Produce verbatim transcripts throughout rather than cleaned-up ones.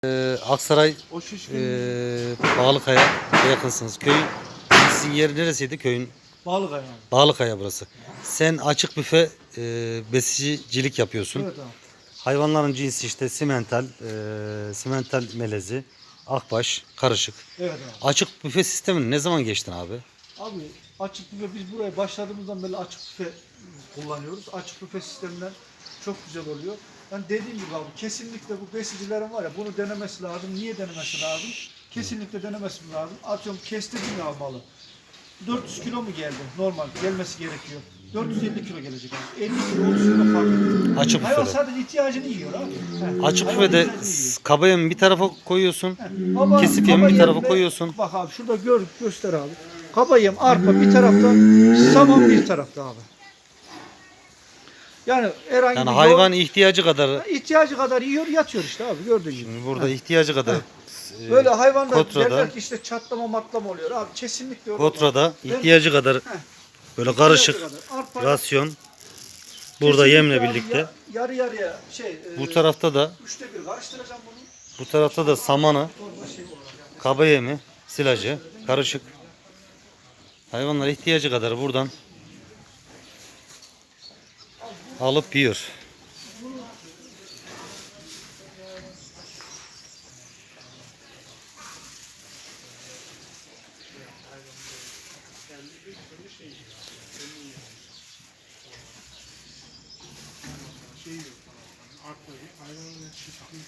Ee, Aksaray O şişkin e, Bağlıkaya yakınsınız. Köyün sizin yer neresiydi? Köyün Bağlıkaya yani. Bağlıkaya burası. Sen açık büfe e, besicilik yapıyorsun. Evet abi. Hayvanların cinsi işte simental, e, simental melezi, akbaş, karışık. Evet abi. Açık büfe sistemini ne zaman geçtin abi? Abi açık büfe biz buraya başladığımızdan beri açık büfe kullanıyoruz. Açık büfe sisteminden çok güzel oluyor. Yani dediğim gibi abi kesinlikle bu besicilerin var ya bunu denemesi lazım. Niye denemesi lazım? Kesinlikle denemesi lazım. Atıyorum kestirdim ya malı. dört yüz kilo mu geldi? Normal gelmesi gerekiyor. dört yüz elli kilo gelecek abi. elli kilo otuz kilo fark. Açık Hayvan büfede. sadece ihtiyacını yiyor abi. He. Açık Hayvan büfede ihtiyacını yiyor. kaba yemi bir tarafa koyuyorsun. Ama Kesif kaba yemi bir tarafa yemle- koyuyorsun. Bak abi şurada gör, göster abi. Kaba yem, arpa bir tarafta, saman bir tarafta abi. Yani herhangi Yani bir hayvan yol- ihtiyacı kadar. ihtiyacı kadar yiyor, yatıyor işte abi gördüğün gibi. Şimdi burada ihtiyacı kadar. e, Böyle hayvanlar Kotra'da, derler ki işte çatlama matlama oluyor abi. Kesinlikle öyle olmaz. Kotra'da Ben- ihtiyacı kadar böyle karışık ihtiyacı kadar. Arpa rasyon burada kesinlikle yemle abi birlikte. ya- yarı yarıya şey, Bu e, tarafta da üçte bir karıştıracağım bunu. bu tarafta da samanı, Torba şey olarak. kaba yemi, silajı karışık. Hayvanlar ihtiyacı kadar buradan alıp yiyor. Şey yok. Arpayı hayvanın şişkin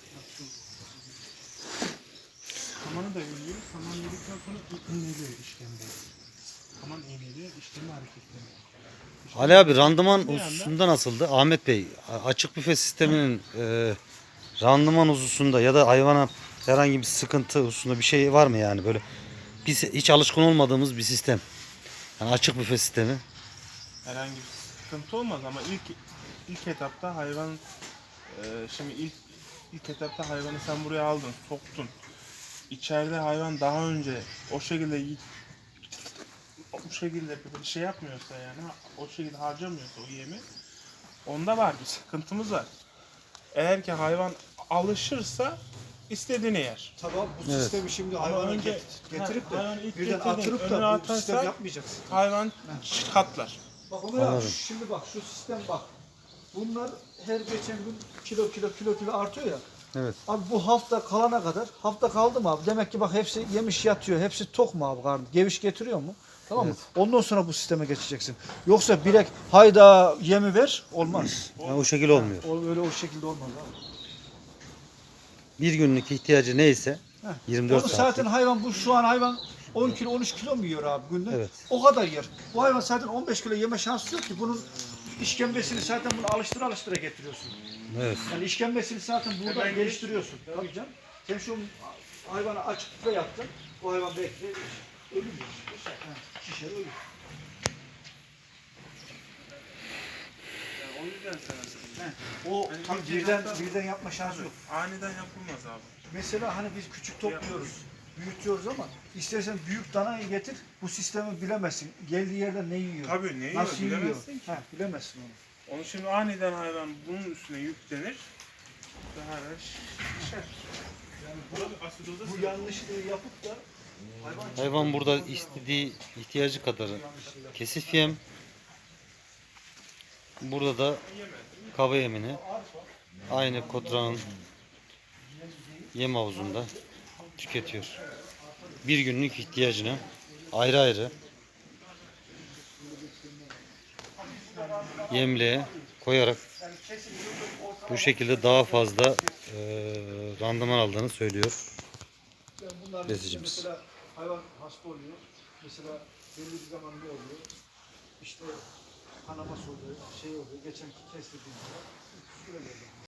samanı da yiyor. Saman yedikten sonra iğneliyor işkembeyi. Saman iğneliyor, işkembe hareketleniyor. Ali abi randıman hususunda nasıldı? Ahmet Bey açık büfe sisteminin e, randıman hususunda ya da hayvana herhangi bir sıkıntı hususunda bir şey var mı yani böyle biz hiç alışkın olmadığımız bir sistem. Yani açık büfe sistemi. Herhangi bir sıkıntı olmaz ama ilk ilk etapta hayvan e, şimdi ilk ilk etapta hayvanı sen buraya aldın, soktun. İçeride hayvan daha önce o şekilde y- bu şekilde bir şey yapmıyorsa yani o şekilde harcamıyorsa o yemi onda var bir sıkıntımız var. Eğer ki hayvan alışırsa istediğini yer. Tamam bu Evet. sistemi şimdi Ama hayvana önce- get- getirip de ha, hayvanı ilk birden getirdin, atırıp önüne da bu atarsan- sistem yapmayacaksın. Hayvan katlar. Bak Ömer abi Anladım. şimdi bak şu sistem bak. Bunlar her geçen gün kilo kilo kilo kilo artıyor ya. Evet. Abi bu hafta kalana kadar hafta kaldı mı abi? Demek ki bak hepsi yemiş yatıyor. Hepsi tok mu abi karnı? Geviş getiriyor mu? Tamam mı? Ondan sonra bu sisteme geçeceksin. Yoksa direkt hayda yemi ver olmaz. Yani o şekil olmuyor. O öyle o şekilde olmaz abi. Bir günlük ihtiyacı neyse Heh. yirmi dört Onu saat. zaten hayvan bu şu an hayvan on kilo on üç kilo mu yiyor abi günde? Evet. O kadar yer. Bu hayvan zaten on beş kilo yeme şansı yok ki. Bunun işkembesini zaten bunu alıştıra alıştıra getiriyorsun. Evet. Yani işkembesini zaten buradan geliştiriyorsun. Tabii canım. Sen şu hayvanı açıkta yaptın. Bu hayvan belki de ölür mü? Şişer ölür. O yüzden sana He. O Yani tabii ilk birden, etapta- birden yapma şansı yok. aniden yapılmaz abi. Mesela hani biz küçük topluyoruz, büyütüyoruz ama istersen büyük danayı getir, bu sistemi bilemezsin. Geldiği yerde ne yiyor? Tabii ne yiyor Nasıl yiyor? bilemezsin ki. He, bilemezsin onu. Onu şimdi aniden hayvan bunun üstüne yüklenir. Daha da şişer. Yani Bu asidoza bu sebep yanlışlığı yapıp da hayvan Hayvan burada istediği ihtiyacı kadar kesif yem. Burada da kaba yemini aynı Kotra'nın yem havuzunda tüketiyor. Bir günlük ihtiyacını ayrı ayrı yemliğe koyarak bu şekilde daha fazla e, randıman aldığını söylüyor. Yani bunlar besicimiz. mesela hayvan hasta oluyor. Mesela belli bir zaman ne oluyor? İşte kanaması oluyor, şey oluyor. Geçenki kestirdiğimizde